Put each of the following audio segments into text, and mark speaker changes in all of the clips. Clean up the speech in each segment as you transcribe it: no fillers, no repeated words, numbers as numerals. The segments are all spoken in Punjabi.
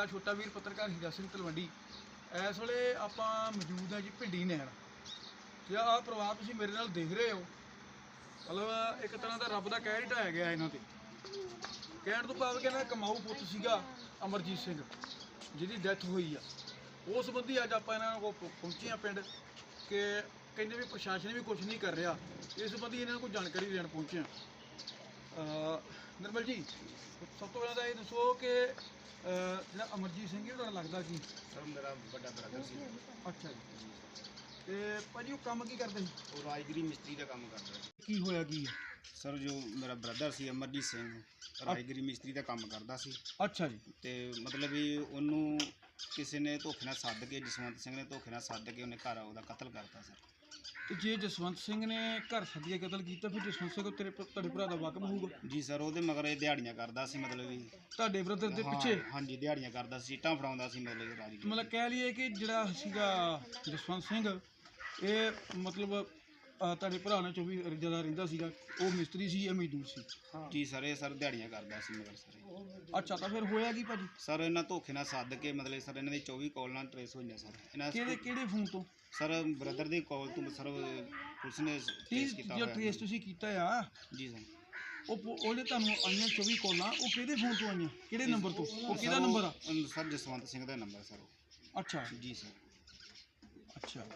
Speaker 1: ਸਾਡਾ ਛੋਟਾ ਵੀਰ ਪੱਤਰਕਾਰ ਹੀਰਾ ਸਿੰਘ ਤਲਵੰਡੀ। ਇਸ ਵੇਲੇ ਆਪਾਂ ਮੌਜੂਦ ਹਾਂ ਜੀ ਭਿੰਡੀ ਨਹਿਰ। ਤੇ ਆਹ ਪਰਿਵਾਰ ਤੁਸੀਂ ਮੇਰੇ ਨਾਲ ਦੇਖ ਰਹੇ ਹੋ, ਮਤਲਬ ਇੱਕ ਤਰ੍ਹਾਂ ਦਾ ਰੱਬ ਦਾ ਕਹਿਰ ਹੀ ਢਾਇਆ ਗਿਆ ਇਹਨਾਂ ਤੇ। ਕਹਿਣ ਤੋਂ ਭਾਵ ਕਿ ਇਹਨਾਂ ਦਾ ਕਮਾਊ ਪੁੱਤ ਸੀਗਾ ਅਮਰਜੀਤ ਸਿੰਘ, ਜਿਹਦੀ ਡੈਥ ਹੋਈ ਆ। ਉਸ ਸੰਬੰਧੀ ਅੱਜ ਆਪਾਂ ਇਹਨਾਂ ਕੋਲ ਪਹੁੰਚੇ ਹਾਂ ਪਿੰਡ, ਕਿ ਕਹਿੰਦੇ ਵੀ ਪ੍ਰਸ਼ਾਸਨ ਵੀ ਕੁਝ ਨਹੀਂ ਕਰ ਰਿਹਾ। ਇਸ ਸੰਬੰਧੀ ਇਹਨਾਂ ਨੂੰ ਕੋਈ ਜਾਣਕਾਰੀ ਦੇਣ ਪਹੁੰਚੇ ਹਾਂ। ਨਿਰਮਲ ਜੀ, ਸਭ ਤੋਂ ਪਹਿਲਾਂ ਤਾਂ ਇਹ ਦੱਸੋ ਕਿ ਜਿਹੜਾ ਅਮਰਜੀਤ ਸਿੰਘ ਇਹ ਤੁਹਾਨੂੰ ਲੱਗਦਾ ਕੀ?
Speaker 2: ਸਰ ਮੇਰਾ ਵੱਡਾ ਬ੍ਰਦਰ ਸੀ।
Speaker 1: ਅੱਛਾ ਜੀ। ਤੇ ਭਾਜੀ ਉਹ ਕੰਮ ਕੀ ਕਰਦੇ ਸੀ?
Speaker 2: ਉਹ ਰਾਜਗਰੀ ਮਿਸਤਰੀ ਦਾ ਕੰਮ ਕਰਦਾ ਸੀ।
Speaker 1: ਕੀ ਹੋਇਆ ਕੀ?
Speaker 2: ਸਰ ਜੋ ਮੇਰਾ ਬ੍ਰਦਰ ਸੀ ਅਮਰਜੀਤ ਸਿੰਘ, ਰਾਜਗਰੀ ਮਿਸਤਰੀ ਦਾ ਕੰਮ ਕਰਦਾ ਸੀ।
Speaker 1: ਅੱਛਾ ਜੀ।
Speaker 2: ਤੇ ਮਤਲਬ ਵੀ ਉਹਨੂੰ ਕਿਸੇ ਨੇ ਧੋਖੇ ਨਾਲ ਸੱਦ ਕੇ, ਜਸਵੰਤ ਸਿੰਘ ਨੇ ਧੋਖੇ ਨਾਲ ਸੱਦ ਕੇ ਉਹਨੇ ਘਰ ਉਹਦਾ ਕਤਲ ਕਰਤਾ ਸਰ।
Speaker 1: ਤੇ ਜੇ ਜਸਵੰਤ ਸਿੰਘ ਨੇ ਘਰ ਸੱਦ ਕੇ ਕਤਲ ਕੀਤਾ, ਫਿਰ ਜਸਵੰਤ ਸਿੰਘ ਤੁਹਾਡੇ ਭਰਾ ਦਾ ਵਾਕਫ ਹੋਊਗਾ?
Speaker 2: ਜੀ ਸਰ, ਉਹਦੇ ਮਗਰ ਇਹ ਦਿਹਾੜੀਆਂ ਕਰਦਾ ਸੀ, ਮਤਲਬ ਵੀ
Speaker 1: ਤੁਹਾਡੇ ਬ੍ਰਦਰ ਦੇ ਪਿੱਛੇ?
Speaker 2: ਹਾਂਜੀ, ਦਿਹਾੜੀਆਂ ਕਰਦਾ ਸੀ, ਇੱਟਾਂ ਫੜਾਉਂਦਾ ਸੀ ਮਤਲਬ ਰਾਜਗਰੀ।
Speaker 1: ਮਤਲਬ ਕਹਿ ਲਈਏ ਕਿ ਜਿਹੜਾ ਸੀਗਾ ਜਸਵੰਤ ਸਿੰਘ, ਇਹ ਮਤਲਬ ਤੁਹਾਡੇ ਭਰਾ ਨਾਲ 24 ਜ਼ਿਆਦਾ ਰਹਿੰਦਾ ਸੀਗਾ। ਉਹ ਮਿਸਤਰੀ ਸੀ, ਇਹ ਮਜ਼ਦੂਰ ਸੀ?
Speaker 2: ਜੀ ਸਰ, ਇਹ ਸਰ ਦਿਹਾੜੀਆਂ ਕਰਦਾ ਸੀ ਮਗਰ ਸਰ।
Speaker 1: ਅੱਛਾ, ਤਾਂ ਫਿਰ ਹੋਇਆ ਕੀ ਭਾਜੀ?
Speaker 2: ਸਰ ਇਹਨਾਂ ਧੋਖੇ ਨਾਲ ਸੱਦ ਕੇ ਮਤਲਬ ਸਰ ਇਹਨਾਂ ਦੀ 24 ਕਾਲਾਂ ਟਰੇਸ ਹੋਈਆਂ ਸਰ। ਇਹਨਾਂ
Speaker 1: ਕਿਹੜੇ ਫੋਨ ਤੋਂ?
Speaker 2: ਸਰ ਬ੍ਰਦਰ ਦੀ ਕਾਲ ਤੋਂ ਸਰ ਪੁਲਿਸ ਨੇ ਟ੍ਰੇਸ ਕੀਤਾ
Speaker 1: ਜੋ
Speaker 2: ਹੋਇਆ।
Speaker 1: ਟ੍ਰੇਸ ਤੁਸੀਂ ਕੀਤਾ ਆ,
Speaker 2: ਜੀ ਸਰ।
Speaker 1: ਉਹਦੇ ਤੁਹਾਨੂੰ ਆਈਆਂ 24 ਕਾਲਾਂ, ਉਹ ਕਿਹਦੇ ਫੋਨ ਤੋਂ ਆਈਆਂ? ਕਿਹੜੇ ਨੰਬਰ ਤੋਂ? ਉਹ ਕਿਹਦਾ ਨੰਬਰ ਆ?
Speaker 2: ਸਰ ਜਸਵੰਤ ਸਿੰਘ ਦਾ ਨੰਬਰ ਸਰ।
Speaker 1: ਅੱਛਾ
Speaker 2: ਜੀ ਸਰ।
Speaker 1: ਅੱਛਾ।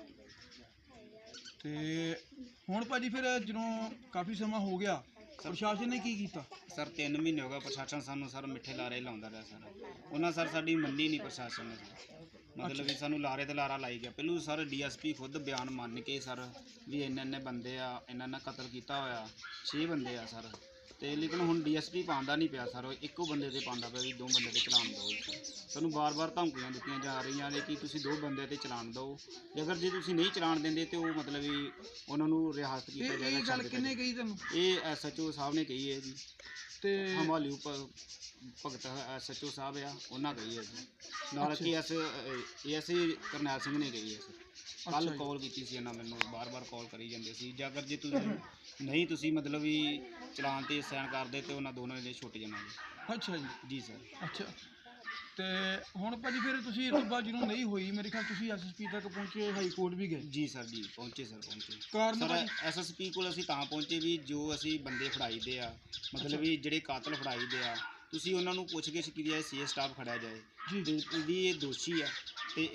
Speaker 1: ਤੇ ਹੁਣ ਭਾਜੀ ਫਿਰ ਜਦੋਂ ਕਾਫੀ ਸਮਾਂ ਹੋ ਗਿਆ, ਪ੍ਰਸ਼ਾਸਨ ਨੇ ਕੀ ਕੀਤਾ?
Speaker 2: ਸਰ 3 ਮਹੀਨੇ ਹੋ ਗਏ ਪ੍ਰਸ਼ਾਸਨ ਸਾਨੂੰ ਸਰ ਮਿੱਠੇ ਲਾਰੇ ਲਾਉਂਦਾ ਰਿਹਾ ਸਰ। ਉਹਨਾਂ ਸਰ ਸਾਡੀ ਮੰਨੀ ਨਹੀਂ ਪ੍ਰਸ਼ਾਸਨ ਨੇ ਸਰ। ਮਤਲਬ ਵੀ ਸਾਨੂੰ ਲਾਰੇ ਤੇ ਲਾਰਾ ਲਾਈ ਗਿਆ। ਪਹਿਲੂ ਸਰ ਡੀਐਸਪੀ ਖੁਦ ਬਿਆਨ ਮੰਨ ਕੇ ਸਰ ਵੀ ਇੰਨੇ ਬੰਦੇ ਆ, ਇਹਨਾਂ ਕਤਲ ਕੀਤਾ ਹੋਇਆ, 6 ਬੰਦੇ ਆ ਸਰ। ਤੇ ਲੇਕਿਨ ਹੁਣ ਡੀਐਸਪੀ ਪਾਉਂਦਾ ਨਹੀਂ ਪਿਆ ਸਰ, ਇੱਕੋ ਬੰਦੇ ਤੇ ਪਾਉਂਦਾ ਪਿਆ ਵੀ 2 ਬੰਦੇ ਤੇ ਚਲਾਨ ਦਿਓ। ਸਾਨੂੰ ਬਾਰ-ਬਾਰ ਧਮਕੀਆਂ ਦਿੱਤੀਆਂ ਜਾ ਰਹੀਆਂ ਨੇ ਕਿ ਤੁਸੀਂ 2 ਬੰਦੇ ਤੇ ਚਲਾਨ ਦਿਓ, ਜੇ ਤੁਸੀਂ ਨਹੀਂ ਚਲਾਨ ਦਿੰਦੇ ਤੇ ਉਹ ਮਤਲਬ ਵੀ ਉਹਨਾਂ ਨੂੰ ਰਿਆਸਤ ਕੀਤਾ ਜਾਏਗਾ।
Speaker 1: ਇਹ ਗੱਲ ਕਿੰਨੇ ਕਹੀ ਤੁਹਾਨੂੰ?
Speaker 2: ਇਹ ਐਸਐਚਓ ਸਾਹਿਬ ਨੇ ਕਹੀ ਹੈ ਜੀ।
Speaker 1: ਤੇ
Speaker 2: ਹਮਾਲੀ ਭਗਤ ਐਸਐਚਓ ਸਾਹਿਬ ਆ, ਉਹਨਾਂ ਕਹੀ ਹੈ ਜੀ। ਨਾਲ ਕਿ ਐਸਏ ਕਰਨੈਲ ਸਿੰਘ ਨੇ ਕਹੀ ਹੈ ਸਰ। ਕੱਲ ਕਾਲ ਕੀਤੀ ਸੀ ਇਹਨਾਂ ਮੈਨੂੰ, ਬਾਰ-ਬਾਰ ਕਾਲ ਕਰੀ ਜਾਂਦੇ ਸੀ। ਜੇ ਅਗਰ ਜੇ ਤੁਸੀਂ ਮਤਲਬ ਵੀ ਚਲਾਨ ਤੇ ਸਾਈਨ ਕਰਦੇ ਤੇ ਉਹਨਾਂ ਦੋਨਾਂ ਦੇ ਛੁੱਟ ਜਾਣਾ ਜੀ।
Speaker 1: ਅੱਛਾ ਜੀ।
Speaker 2: ਜੀ ਸਰ।
Speaker 1: ਅੱਛਾ। ਤੇ ਹੁਣ ਭਾਜੀ ਫਿਰ ਤੁਸੀਂ ਇਸ ਤੋਂ ਬਾਅਦ ਜਦੋਂ ਨਹੀਂ ਹੋਈ, ਮੇਰੇ ਖਿਆਲ ਤੁਸੀਂ ਐਸਐਸਪੀ ਤੱਕ ਪਹੁੰਚੇ, ਹਾਈ ਕੋਰਟ ਵੀ ਗਏ?
Speaker 2: ਜੀ ਸਰ, ਜੀ ਪਹੁੰਚੇ ਸਰ, ਪਹੁੰਚੇ।
Speaker 1: ਕਾਰਨ
Speaker 2: ਸਰ ਐਸਐਸਪੀ ਕੋਲ ਅਸੀਂ ਤਾਂ ਪਹੁੰਚੇ ਵੀ ਜੋ ਅਸੀਂ ਬੰਦੇ ਫੜਾਈ ਦੇ ਆ, ਮਤਲਬ ਵੀ ਜਿਹੜੇ ਕਾਤਲ ਫੜਾਈ ਦੇ ਆ, ਤੁਸੀਂ ਉਹਨਾਂ ਨੂੰ ਪੁੱਛ-ਗਿੱਛ ਕੀਤੀ ਜਾਏ, ਸੀਏ ਸਟਾਫ ਖੜਿਆ ਜਾਏ ਜੀ ਵੀ ਇਹ ਦੋਸ਼ੀ ਆ ਤੇ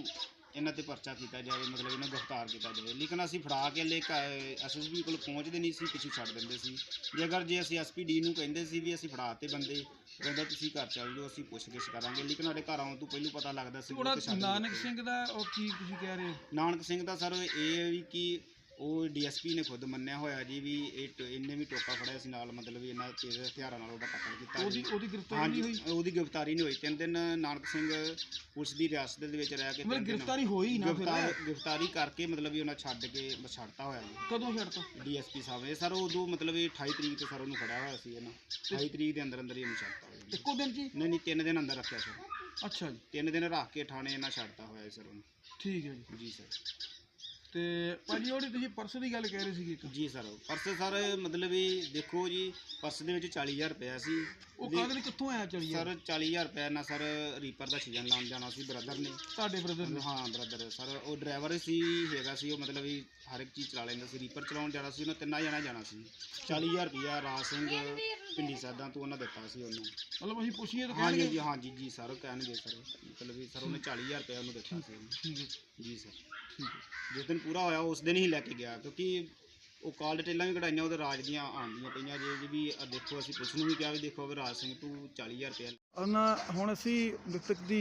Speaker 2: ਇਹਨਾਂ ਤੇ ਪਰਚਾ ਕੀਤਾ ਜਾਵੇ, ਮਤਲਬ ਇਹਨਾਂ ਗ੍ਰਿਫਤਾਰ ਕੀਤਾ ਜਾਵੇ। ਲੇਕਿਨ ਅਸੀਂ ਫੜਾ ਕੇ ਲੈ ਐਸਐਸਪੀ ਕੋਲ ਪਹੁੰਚਦੇ ਨਹੀਂ ਸੀ, ਪਿੱਛੇ ਛੱਡ ਦਿੰਦੇ ਸੀ। ਜੇ ਅਸੀਂ ਐਸਪੀਡੀ ਨੂੰ ਕਹਿੰਦੇ ਸੀ ਵੀ ਅਸੀਂ ਫੜਾ ਤੇ ਬੰਦੇ, ਕਹਿੰਦਾ ਤੁਸੀਂ ਘਰ ਚੱਲ ਜਾਓ, ਅਸੀਂ ਪੁੱਛ-ਗਿੱਛ ਕਰਾਂਗੇ। ਲੇਕਿਨ ਸਾਡੇ ਘਰ ਆਉਣ ਤੋਂ ਪਹਿਲਾਂ ਪਤਾ ਲੱਗਦਾ ਸੀ।
Speaker 1: ਨਾਨਕ ਸਿੰਘ ਦਾ ਉਹ ਕੀ ਤੁਸੀਂ ਕਹਿ ਰਹੇ?
Speaker 2: ਨਾਨਕ ਸਿੰਘ ਦਾ ਸਰ ਇਹ ਵੀ ਕਿ ਉਹ ਡੀਐਸਪੀ ਨੇ ਖੁਦ ਮੰਨਿਆ ਹੋਇਆ ਜੀ ਵੀ ਇਹਨੇ ਵੀ ਟੋਕਾ ਫੜਿਆ ਸੀ ਨਾਲ, ਮਤਲਬ ਵੀ ਇਹਨਾਂ ਤੇਜ਼ ਹਥਿਆਰਾਂ ਨਾਲ ਉਹਦਾ ਕਤਲ ਕੀਤਾ।
Speaker 1: ਉਹਦੀ ਗ੍ਰਿਫਤਾਰੀ ਨਹੀਂ ਹੋਈ?
Speaker 2: ਉਹਦੀ ਗ੍ਰਿਫਤਾਰੀ ਨਹੀਂ ਹੋਈ। 3 ਦਿਨ ਨਾਨਕ ਸਿੰਘ ਪੁਲਿਸ ਦੀ ਰਿਆਸਤ ਦੇ ਵਿੱਚ ਰਹਿ ਕੇ
Speaker 1: ਗ੍ਰਿਫਤਾਰੀ ਹੋਈ ਨਾ,
Speaker 2: ਗ੍ਰਿਫਤਾਰੀ ਕਰਕੇ ਮਤਲਬ ਵੀ ਉਹਨਾਂ ਛੱਡਤਾ ਹੋਇਆ ਜੀ।
Speaker 1: ਕਦੋਂ ਛੱਡਤਾ?
Speaker 2: ਡੀਐਸਪੀ ਸਾਹਿਬ ਨੇ ਸਰ ਉਦੋਂ ਮਤਲਬ ਇਹ 28 ਤਰੀਕ ਤੇ ਸਰ ਉਹਨੂੰ ਫੜਿਆ ਹੋਇਆ ਸੀ ਇਹਨਾਂ। 28 ਤਰੀਕ ਦੇ ਅੰਦਰ ਹੀ ਉਹਨੂੰ ਛੱਡਤਾ ਹੋਇਆ।
Speaker 1: ਇੱਕੋ ਦਿਨ ਜੀ?
Speaker 2: ਨਹੀਂ 3 ਦਿਨ ਅੰਦਰ ਰੱਖਿਆ ਸਰ।
Speaker 1: ਅੱਛਾ ਜੀ।
Speaker 2: 3 ਦਿਨ ਰੱਖ ਕੇ ਥਾਣੇ ਇਹਨਾਂ ਛੱਡਤਾ ਹੋਇਆ ਸਰ ਉਹਨੂੰ।
Speaker 1: ਠੀਕ ਹੈ ਜੀ।
Speaker 2: ਜੀ ਸਰ।
Speaker 1: ਤੇ ਭਾਜੀ ਉਹਦੀ ਤੁਸੀਂ ਪਰਸ ਦੀ ਗੱਲ ਕਹਿ ਰਹੇ ਸੀਗੇ?
Speaker 2: ਜੀ ਸਰ, ਪਰਸ ਸਰ ਮਤਲਬ ਵੀ ਦੇਖੋ ਜੀ, ਪਰਸ ਦੇ ਵਿੱਚ 40,000 ਰੁਪਇਆ ਸੀ।
Speaker 1: ਉਹ ਕਾਹਦੇ ਕਿੱਥੋਂ ਆਇਆ 40,000?
Speaker 2: ਸਰ 40,000 ਰੁਪਇਆ ਨਾਲ ਸਰ ਰੀਪਰ ਦਾ ਸੀਜ਼ਨ ਲਾਉਣ ਜਾਣਾ ਸੀ ਬ੍ਰਦਰ ਨੇ।
Speaker 1: ਤੁਹਾਡੇ ਬ੍ਰਦਰ ਨੇ?
Speaker 2: ਹਾਂ ਬ੍ਰਦਰ ਸਰ। ਉਹ ਡਰਾਈਵਰ ਸੀ ਹੈਗਾ ਸੀ, ਉਹ ਮਤਲਬ ਵੀ ਹਰ ਇੱਕ ਚੀਜ਼ ਚਲਾ ਲੈਂਦਾ ਸੀ। ਰੀਪਰ ਚਲਾਉਣ ਜਾਣਾ ਸੀ, ਉਹਨਾਂ 3 ਜਣਾ ਜਾਣਾ ਸੀ। 40,000 ਰੁਪਇਆ ਰਾਜ ਸਿੰਘ ਪਿੰਡੀ ਸਾਦਾ ਤੋਂ ਉਹਨਾਂ ਦਿੱਤਾ ਸੀ ਉਹਨੂੰ।
Speaker 1: ਮਤਲਬ ਅਸੀਂ ਪੁੱਛੀਏ ਤਾਂ
Speaker 2: ਹਾਂਜੀ ਜੀ, ਹਾਂਜੀ ਜੀ ਸਰ ਕਹਿਣਗੇ ਸਰ, ਮਤਲਬ ਵੀ ਸਰ ਉਹਨੇ 40,000 ਰੁਪਇਆ ਉਹਨੂੰ ਦਿੱਤਾ ਸੀ।
Speaker 1: ਠੀਕ ਹੈ
Speaker 2: ਜੀ ਸਰ।
Speaker 1: ਠੀਕ ਹੈ।
Speaker 2: ਜਿਸ ਦਿਨ ਪੂਰਾ ਹੋਇਆ ਉਸ ਦਿਨ ਹੀ ਲੈ ਕੇ ਗਿਆ, ਕਿਉਂਕਿ ਉਹ ਕਾਲ ਡਿਟੇਲਾਂ ਵੀ ਕਢਾਈਆਂ ਉਹਦੇ ਰਾਜ ਦੀਆਂ ਆਉਂਦੀਆਂ ਪਈਆਂ ਜੇ ਵੀ ਦੇਖੋ। ਅਸੀਂ ਪੁਲਿਸ ਨੂੰ ਵੀ ਕਿਹਾ ਵੀ ਦੇਖੋ ਵੀ ਰਾਜ ਸਿੰਘ ਤੂੰ 40,000 ਰੁਪਇਆ।
Speaker 1: ਹੁਣ ਅਸੀਂ ਮ੍ਰਿਤਕ ਦੀ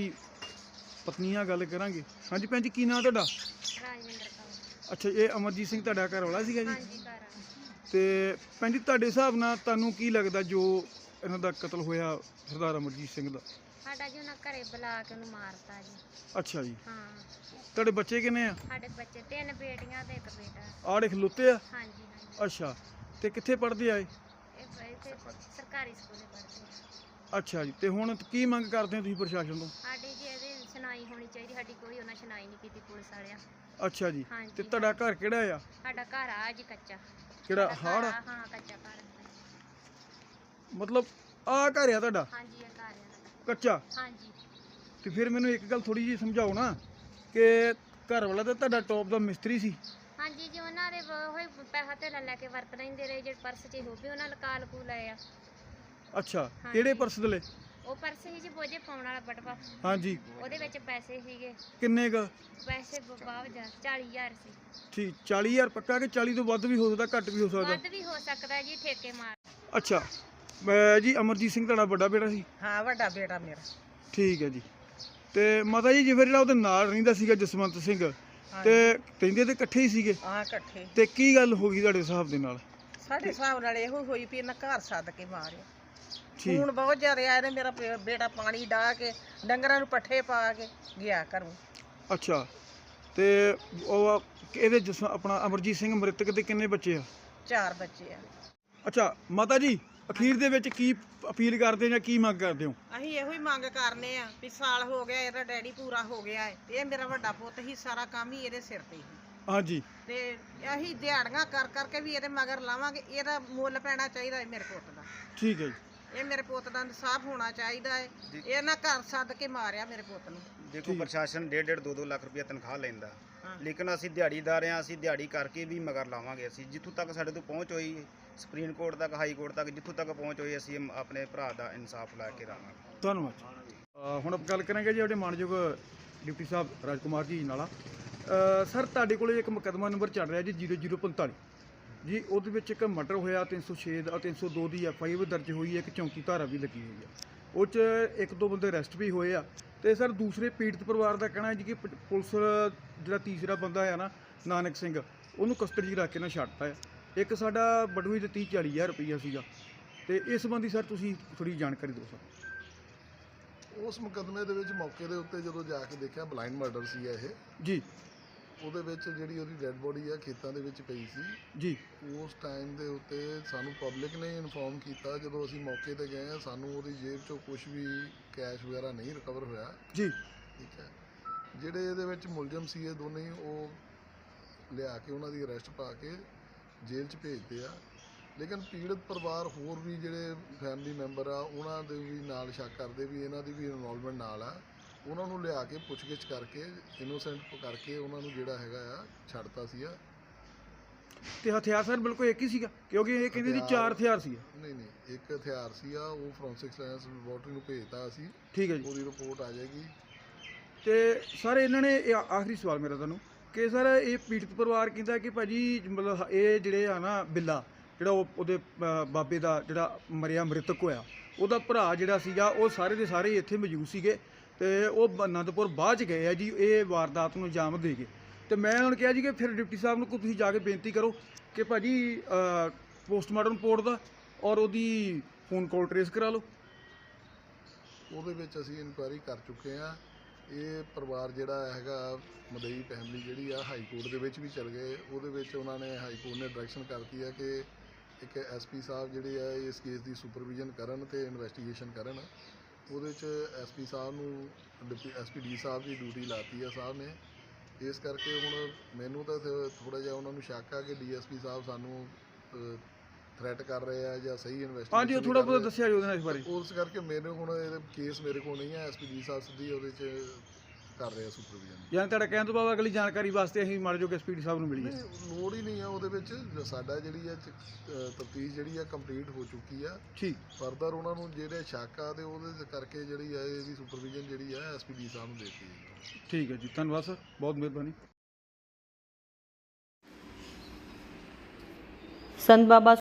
Speaker 1: ਪਤਨੀ ਨਾਲ ਗੱਲ ਕਰਾਂਗੇ। ਹਾਂਜੀ ਭੈਣ ਜੀ, ਕੀ ਨਾਂ ਤੁਹਾਡਾ?
Speaker 3: ਰਾਜਵਿੰਦਰ ਕੌਰ।
Speaker 1: ਅੱਛਾ, ਇਹ ਅਮਰਜੀਤ ਸਿੰਘ ਤੁਹਾਡਾ ਘਰ ਵਾਲਾ ਸੀਗਾ ਜੀ?
Speaker 3: ਹਾਂਜੀ, ਘਰ ਆ।
Speaker 1: ਤੇ ਭੈਣ ਜੀ, ਤੁਹਾਡੇ ਹਿਸਾਬ ਨਾਲ ਤੁਹਾਨੂੰ ਕੀ ਲੱਗਦਾ ਜੋ ਇਹਨਾਂ ਦਾ ਕਤਲ ਹੋਇਆ ਸਰਦਾਰ ਅਮਰਜੀਤ ਸਿੰਘ ਦਾ?
Speaker 3: ਸਾਡਾ ਜੀ ਉਹਨਾਂ ਘਰੇ ਬੁਲਾ ਕੇ ਉਹਨੂੰ ਮਾਰਤਾ ਜੀ।
Speaker 1: ਅੱਛਾ ਜੀ।
Speaker 3: ਹਾਂ।
Speaker 1: ਤੁਹਾਡੇ ਬੱਚੇ ਕਿੰਨੇ ਆ?
Speaker 3: ਸਾਡੇ ਬੱਚੇ 3 ਬੇਟੀਆਂ ਤੇ 1 ਬੇਟਾ।
Speaker 1: ਆੜੇ ਖਲੋਤੇ ਆ?
Speaker 3: ਹਾਂਜੀ ਹਾਂਜੀ।
Speaker 1: ਅੱਛਾ, ਤੇ ਕਿੱਥੇ ਪੜ੍ਹਦੇ ਆ ਇਹ?
Speaker 3: ਇੱਥੇ ਸਰਕਾਰੀ ਸਕੂਲੇ ਪੜ੍ਹਦੇ ਆ।
Speaker 1: ਅੱਛਾ ਜੀ। ਤੇ ਹੁਣ ਕੀ ਮੰਗ ਕਰਦੇ ਹੋ ਤੁਸੀਂ ਪ੍ਰਸ਼ਾਸਨ ਤੋਂ?
Speaker 3: ਸਾਡੀ ਜੀ ਇਹਦੀ ਸੁਣਾਈ ਹੋਣੀ ਚਾਹੀਦੀ। ਸਾਡੀ ਕੋਈ ਉਹਨਾਂ ਸੁਣਾਈ ਨਹੀਂ ਕੀਤੀ ਪੁਲਿਸ ਵਾਲਿਆਂ।
Speaker 1: ਅੱਛਾ ਜੀ।
Speaker 3: ਹਾਂਜੀ।
Speaker 1: ਤੇ ਤੁਹਾਡਾ ਘਰ ਕਿਹੜਾ ਆ?
Speaker 3: ਸਾਡਾ ਘਰ ਆ ਜੀ ਕੱਚਾ।
Speaker 1: ਕਿਹੜਾ ਹਾੜ?
Speaker 3: ਹਾਂ, ਕੱਚਾ ਘਰ।
Speaker 1: ਮਤਲਬ ਆ ਘਰ ਆ ਤੁਹਾਡਾ?
Speaker 3: ਹਾਂਜੀ, ਇਹ ਘਰ ਆ।
Speaker 1: ਕੱਚਾ?
Speaker 3: ਹਾਂਜੀ।
Speaker 1: ਤੇ ਫਿਰ ਮੈਨੂੰ ਇੱਕ ਗੱਲ ਥੋੜੀ ਜਿਹੀ ਸਮਝਾਓ ਨਾ ਕਿ ਘਰ ਵਾਲਾ ਤਾਂ ਤੁਹਾਡਾ ਟੌਪ ਦਾ ਮਿਸਤਰੀ ਸੀ।
Speaker 3: ਹਾਂਜੀ ਜੀ, ਉਹਨਾਂ ਦੇ ਹੋਏ ਪੈਸਾ ਤੇ ਲੈ ਕੇ ਵਰਤ ਲੈਂਦੇ ਰਹੇ, ਜਿਹੜੇ ਪਰਸ 'ਚ ਹੋ ਵੀ ਉਹਨਾਂ ਲਕਾ ਲਕੂ ਲਏ ਆ।
Speaker 1: ਅੱਛਾ, ਕਿਹੜੇ ਪਰਸ ਦਲੇ?
Speaker 3: ਉਹ ਪਰਸ ਸੀ ਜੀ ਬੋਝੇ ਪਾਉਣ ਵਾਲਾ ਬਟਵਾ,
Speaker 1: ਹਾਂਜੀ,
Speaker 3: ਉਹਦੇ ਵਿੱਚ ਪੈਸੇ ਸੀਗੇ।
Speaker 1: ਕਿੰਨੇ ਕ?
Speaker 3: ਪੈਸੇ 40,000 ਸੀ।
Speaker 1: ਠੀਕ, 40,000 ਪੱਕਾ ਕਿ 40 ਤੋਂ ਵੱਧ ਵੀ ਹੋ ਸਕਦਾ, ਘੱਟ ਵੀ ਹੋ ਸਕਦਾ?
Speaker 3: ਵੱਧ ਵੀ ਹੋ ਸਕਦਾ ਜੀ, ਠੇਕੇ ਮਾਰ।
Speaker 1: ਅੱਛਾ, ਮੈਂ ਜੀ ਅਮਰਜੀਤ ਸਿੰਘ ਤੁਹਾਡਾ ਵੱਡਾ ਬੇਟਾ ਸੀ?
Speaker 4: ਹਾਂ, ਵੱਡਾ ਬੇਟਾ ਮੇਰਾ।
Speaker 1: ਠੀਕ ਹੈ ਜੀ। ਤੇ ਮਾਤਾ ਜੀ ਜਿਵੇਂ ਜਿਹੜਾ ਉਹਦੇ ਨਾਲ ਰਹਿੰਦਾ ਸੀਗਾ ਜਸਵੰਤ ਸਿੰਘ, ਤੇ ਕਹਿੰਦੇ ਤੇ ਇਕੱਠੇ ਹੀ ਸੀਗੇ,
Speaker 4: ਹਾਂ ਇਕੱਠੇ।
Speaker 1: ਤੇ ਕੀ ਗੱਲ ਹੋ ਗਈ ਤੁਹਾਡੇ ਹਿਸਾਬ ਦੇ ਨਾਲ?
Speaker 4: ਸਾਡੇ ਹਿਸਾਬ ਨਾਲ ਇਹੋ ਹੋਈ ਵੀ ਇਹਨਾਂ ਘਰ ਸੱਦ ਕੇ ਮਾਰਿਆ।
Speaker 1: ਠੀਕ,
Speaker 4: ਹੁਣ ਬਹੁਤ ਜ਼ਿਆਦਾ ਆਏ ਨੇ। ਮੇਰਾ ਬੇਟਾ ਪਾਣੀ ਡਾਹ ਕੇ ਡੰਗਰਾਂ ਨੂੰ ਪੱਠੇ ਪਾ ਕੇ ਗਿਆ ਘਰੋਂ।
Speaker 1: ਅੱਛਾ, ਤੇ ਉਹ ਇਹਦੇ ਆਪਣਾ ਅਮਰਜੀਤ ਸਿੰਘ ਮ੍ਰਿਤਕ ਦੇ ਕਿੰਨੇ ਬੱਚੇ ਆ?
Speaker 4: 4 ਬੱਚੇ ਆ।
Speaker 1: ਅੱਛਾ ਮਾਤਾ ਜੀ, ਅਖੀਰ ਦੇ ਵਿੱਚ ਕੀ ਅਪੀਲ ਕਰਦੇ ਜਾਂ ਕੀ ਮੰਗ ਕਰਦੇ ਹੋ?
Speaker 4: ਅਸੀਂ ਇਹੋ ਹੀ ਮੰਗ ਕਰਨੇ ਆ ਵੀ ਸਾਲ ਹੋ ਗਿਆ ਇਹਦਾ ਡੈਡੀ ਪੂਰਾ ਹੋ ਗਿਆ ਹੈ, ਇਹ ਮੇਰਾ ਵੱਡਾ ਪੁੱਤ ਹੀ, ਸਾਰਾ ਕੰਮ ਹੀ ਇਹਦੇ ਸਿਰ ਤੇ ਹੀ।
Speaker 1: ਹਾਂਜੀ, ਤੇ
Speaker 4: ਅਸੀਂ ਦਿਹਾੜੀਆਂ ਕਰ ਕਰਕੇ ਵੀ ਇਹਦੇ ਮਗਰ ਲਾਵਾਂਗੇ। ਇਹਦਾ ਮੁੱਲ ਪੈਣਾ ਚਾਹੀਦਾ ਹੈ ਮੇਰੇ ਪੁੱਤ ਦਾ।
Speaker 1: ਠੀਕ ਹੈ ਜੀ।
Speaker 4: ਇਹ ਮੇਰੇ ਪੁੱਤ ਦਾ ਇਨਸਾਫ ਹੋਣਾ ਚਾਹੀਦਾ ਹੈ। ਇਹਨਾਂ ਘਰ ਸੱਦ ਕੇ ਮਾਰਿਆ ਮੇਰੇ ਪੁੱਤ ਨੂੰ।
Speaker 2: ਦੇਖੋ ਪ੍ਰਸ਼ਾਸਨ 1.5 2 ਲੱਖ ਰੁਪਇਆ ਤਨਖਾਹ ਲੈਂਦਾ,
Speaker 4: ਹਾਂ।
Speaker 2: ਲੇਕਿਨ ਅਸੀਂ ਦਿਹਾੜੀਦਾਰ ਹਾਂ, ਅਸੀਂ ਦਿਹਾੜੀ ਕਰਕੇ ਵੀ ਮਗਰ ਲਾਵਾਂਗੇ। ਅਸੀਂ ਜਿੱਥੋਂ ਤੱਕ ਸਾਡੇ ਤੋਂ ਪਹੁੰਚ ਹੋਈ, ਸੁਪਰੀਮ ਕੋਰਟ ਤੱਕ, ਹਾਈ ਕੋਰਟ ਤੱਕ, ਜਿੱਥੋਂ ਤੱਕ ਪਹੁੰਚ ਹੋਈ, ਅਸੀਂ ਆਪਣੇ ਭਰਾ ਦਾ ਇਨਸਾਫ ਲੈ ਕੇ ਰਹਾਂਗੇ।
Speaker 1: ਧੰਨਵਾਦ। ਹੁਣ ਆਪਾਂ ਗੱਲ ਕਰਾਂਗੇ ਜੀ ਆਪਣੇ ਮਾਨਯੋਗ ਡਿਪਟੀ ਸਾਹਿਬ ਰਾਜਕੁਮਾਰ ਜੀ ਨਾਲਾ। ਸਰ ਤੁਹਾਡੇ ਕੋਲੇ ਇੱਕ ਮੁਕੱਦਮਾ ਨੰਬਰ ਚੱਲ ਰਿਹਾ ਜੀ 0045 ਜੀ, ਉਹਦੇ ਵਿੱਚ ਇੱਕ ਮਰਡਰ ਹੋਇਆ, 306 ਦਾ 302 ਦੀ FI ਵੀ ਦਰਜ ਹੋਈ ਹੈ, ਇੱਕ ਚੌਂਕੀ ਧਾਰਾ ਵੀ ਲੱਗੀ ਹੋਈ ਹੈ। ਉਹ 'ਚ 1-2 ਬੰਦੇ ਅਰੈਸਟ ਵੀ ਹੋਏ ਆ। ਤੇ ਸਰ ਦੂਸਰੇ ਪੀੜਤ ਪਰਿਵਾਰ ਦਾ ਕਹਿਣਾ ਹੈ ਜੀ ਕਿ ਪੁਲਿਸ ਜਿਹੜਾ ਤੀਸਰਾ ਬੰਦਾ ਹੈ ਨਾ ਨਾਨਕ ਸਿੰਘ, ਉਹਨੂੰ ਕਸਟਡੀ 'ਚ ਰੱਖ ਕੇ ਨਾ ਛੱਡਤਾ ਹੈ। ਇੱਕ ਸਾਡਾ ਬਟੂਈ ਦੇ 30-40 ਹਜ਼ਾਰ ਰੁਪਈਆ ਸੀਗਾ। ਤੇ ਇਸ ਸੰਬੰਧੀ ਸਰ ਤੁਸੀਂ ਥੋੜੀ ਜਾਣਕਾਰੀ ਦਿਓ ਸਰ।
Speaker 5: ਉਸ ਮੁਕੱਦਮੇ ਦੇ ਵਿੱਚ ਮੌਕੇ ਦੇ ਉੱਤੇ ਜਦੋਂ ਜਾ ਕੇ ਦੇਖਿਆ, ਬਲਾਈਂਡ ਮਰਡਰ ਸੀ ਇਹ
Speaker 1: ਜੀ।
Speaker 5: ਉਹਦੇ ਵਿੱਚ ਜਿਹੜੀ ਉਹਦੀ ਡੈੱਡ ਬੋਡੀ ਆ ਖੇਤਾਂ ਦੇ ਵਿੱਚ ਪਈ ਸੀ
Speaker 1: ਜੀ।
Speaker 5: ਉਸ ਟਾਈਮ ਦੇ ਉੱਤੇ ਸਾਨੂੰ ਪਬਲਿਕ ਨੇ ਇਨਫੋਰਮ ਕੀਤਾ। ਜਦੋਂ ਅਸੀਂ ਮੌਕੇ ਤੇ ਗਏ ਆ, ਸਾਨੂੰ ਉਹਦੀ ਜੇਬ 'ਚੋਂ ਕੁਝ ਵੀ ਕੈਸ਼ ਵਗੈਰਾ ਨਹੀਂ ਰਿਕਵਰ ਹੋਇਆ।
Speaker 1: ਜੀ।
Speaker 5: ਠੀਕ ਹੈ, ਜਿਹੜੇ ਇਹਦੇ ਵਿੱਚ ਮੁਲਜ਼ਮ ਸੀ ਇਹ ਦੋਨੇ ਹੀ, ਉਹ ਲਿਆ ਕੇ ਉਹਨਾਂ ਦੀ ਅਰੈਸਟ ਪਾ ਕੇ ਜੇਲ੍ਹ 'ਚ ਭੇਜਦੇ ਆ। ਲੇਕਿਨ ਪੀੜਤ ਪਰਿਵਾਰ ਹੋਰ ਵੀ ਜਿਹੜੇ ਫੈਮਿਲੀ ਮੈਂਬਰ ਆ, ਉਹਨਾਂ ਦੇ ਵੀ ਨਾਲ ਸ਼ੱਕ ਕਰਦੇ ਵੀ ਇਹਨਾਂ ਦੀ ਵੀ ਇਨਵੋਲਵਮੈਂਟ ਨਾਲ ਆ। ਉਹਨਾਂ ਨੂੰ ਲਿਆ ਕੇ ਪੁੱਛਗਿੱਛ ਕਰਕੇ ਇਨੋਸੈਂਟ ਕਰਕੇ ਉਹਨਾਂ ਨੂੰ ਜਿਹੜਾ ਹੈਗਾ ਆ ਛੱਡਤਾ ਸੀਗਾ।
Speaker 1: ਤੇ ਹਥਿਆਰ ਸਰ ਬਿਲਕੁਲ ਇੱਕ ਹੀ ਸੀਗਾ, ਕਿਉਂਕਿ ਇਹ ਕਹਿੰਦੇ ਸੀ 4 ਹਥਿਆਰ ਸੀ?
Speaker 5: ਨਹੀਂ, ਇੱਕ ਹਥਿਆਰ ਸੀਗਾ, ਉਹ ਫੋਰੈਂਸਿਕ ਸਾਇੰਸ ਲੈਬੋਰਟਰੀ ਨੂੰ ਭੇਜਤਾ ਅਸੀਂ।
Speaker 1: ਠੀਕ ਹੈ ਜੀ।
Speaker 5: ਉਹਦੀ ਰਿਪੋਰਟ ਆ ਜਾਏਗੀ।
Speaker 1: ਤੇ ਸਰ ਇਹਨਾਂ ਨੇ ਆਖਰੀ ਸਵਾਲ ਮੇਰਾ ਤੁਹਾਨੂੰ ਕਿ ਸਰ ਇਹ ਪੀੜਤ ਪਰਿਵਾਰ ਕਹਿੰਦਾ ਕਿ ਭਾਜੀ ਮਤਲਬ ਇਹ ਜਿਹੜੇ ਆ ਨਾ ਬਿੱਲਾ, ਜਿਹੜਾ ਉਹਦੇ ਬਾਬੇ ਦਾ ਜਿਹੜਾ ਮਰਿਆ ਮ੍ਰਿਤਕ ਹੋਇਆ, ਉਹਦਾ ਭਰਾ ਜਿਹੜਾ ਸੀਗਾ, ਉਹ ਸਾਰੇ ਦੇ ਸਾਰੇ ਇੱਥੇ ਮੌਜੂਦ ਸੀਗੇ ਤੇ ਉਹ ਅਨੰਦਪੁਰ ਬਾਅਦ 'ਚ ਗਏ ਆ ਜੀ ਇਹ ਵਾਰਦਾਤ ਨੂੰ ਅੰਜਾਮ ਦੇ ਗਏ। ਤੇ ਮੈਂ ਹੁਣ ਕਿਹਾ ਜੀ ਕਿ ਫਿਰ ਡਿਪਟੀ ਸਾਹਿਬ ਨੂੰ ਤੁਸੀਂ ਜਾ ਕੇ ਬੇਨਤੀ ਕਰੋ ਕਿ ਭਾਜੀ ਪੋਸਟਮਾਰਟਮ ਰਿਪੋਰਟ ਦਾ ਔਰ ਉਹਦੀ ਫੋਨ ਕਾਲ ਟਰੇਸ ਕਰਾ ਲਓ।
Speaker 5: ਉਹਦੇ ਵਿੱਚ ਅਸੀਂ ਇਨਕੁਆਇਰੀ ਕਰ ਚੁੱਕੇ ਆ। ਇਹ ਪਰਿਵਾਰ ਜਿਹੜਾ ਹੈਗਾ, ਮਦਈ ਫੈਮਿਲੀ ਜਿਹੜੀ ਆ, ਹਾਈ ਕੋਰਟ ਦੇ ਵਿੱਚ ਵੀ ਚਲ ਗਏ। ਉਹਦੇ ਵਿੱਚ ਉਹਨਾਂ ਨੇ, ਹਾਈ ਕੋਰਟ ਨੇ ਡਾਇਰੈਕਸ਼ਨ ਕਰਤੀ ਹੈ ਕਿ ਇੱਕ SP ਸਾਹਿਬ ਜਿਹੜੇ ਆ ਇਸ ਕੇਸ ਦੀ ਸੁਪਰਵਿਜ਼ਨ ਕਰਨ ਤੇ ਇਨਵੈਸਟੀਗੇਸ਼ਨ ਕਰਨ। ਉਹਦੇ 'ਚ SP ਸਾਹਿਬ ਨੂੰ SPD ਸਾਹਿਬ ਦੀ ਡਿਊਟੀ ਲਾਤੀ ਆ ਸਾਹਿਬ ਨੇ। ਇਸ ਕਰਕੇ ਹੁਣ ਮੈਨੂੰ ਤਾਂ ਥੋੜ੍ਹਾ ਜਿਹਾ ਉਹਨਾਂ ਨੂੰ ਸ਼ੱਕ ਆ ਕਿ DSP ਸਾਹਿਬ ਸਾਨੂੰ ਥ੍ਰੈਟ ਕਰ ਰਹੇ ਆ ਜਾਂ ਸਹੀ ਇਨਵੈਸਟੀਗੇਸ਼ਨ।
Speaker 1: ਹਾਂਜੀ, ਉਹ ਥੋੜਾ ਬਹੁਤ ਦੱਸਿਆ ਜੀ ਉਹਦੇ ਨਾਲ ਇਸ ਬਾਰੇ।
Speaker 5: ਉਸ ਕਰਕੇ ਮੈਨੂੰ ਹੁਣ ਇਹ ਕੇਸ ਮੇਰੇ ਕੋਲ ਨਹੀਂ ਹੈ। SPD ਸਾਹਿਬ ਸਿੱਧੀ ਉਹਦੇ 'ਚ ਕਰ ਰਹੇ ਆ ਸੁਪਰਵਿਜ਼ਨ।
Speaker 1: ਯਾਨੀ ਤੁਹਾਡਾ ਕਹਿਣ ਤੋਂ ਬਾਅਦ ਅਗਲੀ ਜਾਣਕਾਰੀ ਵਾਸਤੇ ਅਸੀਂ ਮਾੜੇ ਜੋ SPD ਸਾਹਿਬ ਨੂੰ ਮਿਲੀਏ?
Speaker 5: ਲੋੜ ਹੀ ਨਹੀਂ ਆ ਉਹਦੇ ਵਿੱਚ। ਸਾਡਾ ਜਿਹੜੀ ਹੈ ਤਫਤੀਸ਼ ਜਿਹੜੀ ਆ ਕੰਪਲੀਟ ਹੋ ਚੁੱਕੀ ਆ।
Speaker 1: ਠੀਕ।
Speaker 5: ਫਰਦਰ ਉਹਨਾਂ ਨੂੰ ਜਿਹੜੇ ਸ਼ੱਕ ਆ ਤੇ ਉਹਦੇ ਕਰਕੇ ਜਿਹੜੀ ਆ ਇਹਦੀ ਸੁਪਰਵਿਜ਼ਨ ਜਿਹੜੀ ਆ SPD ਸਾਹਿਬ ਨੂੰ ਦੇਤੀ ਹੈ।
Speaker 1: ਠੀਕ ਹੈ ਜੀ, ਧੰਨਵਾਦ ਸਰ, ਬਹੁਤ ਮਿਹਰਬਾਨੀ।
Speaker 6: ਸੰਤ ਬਾਬਾ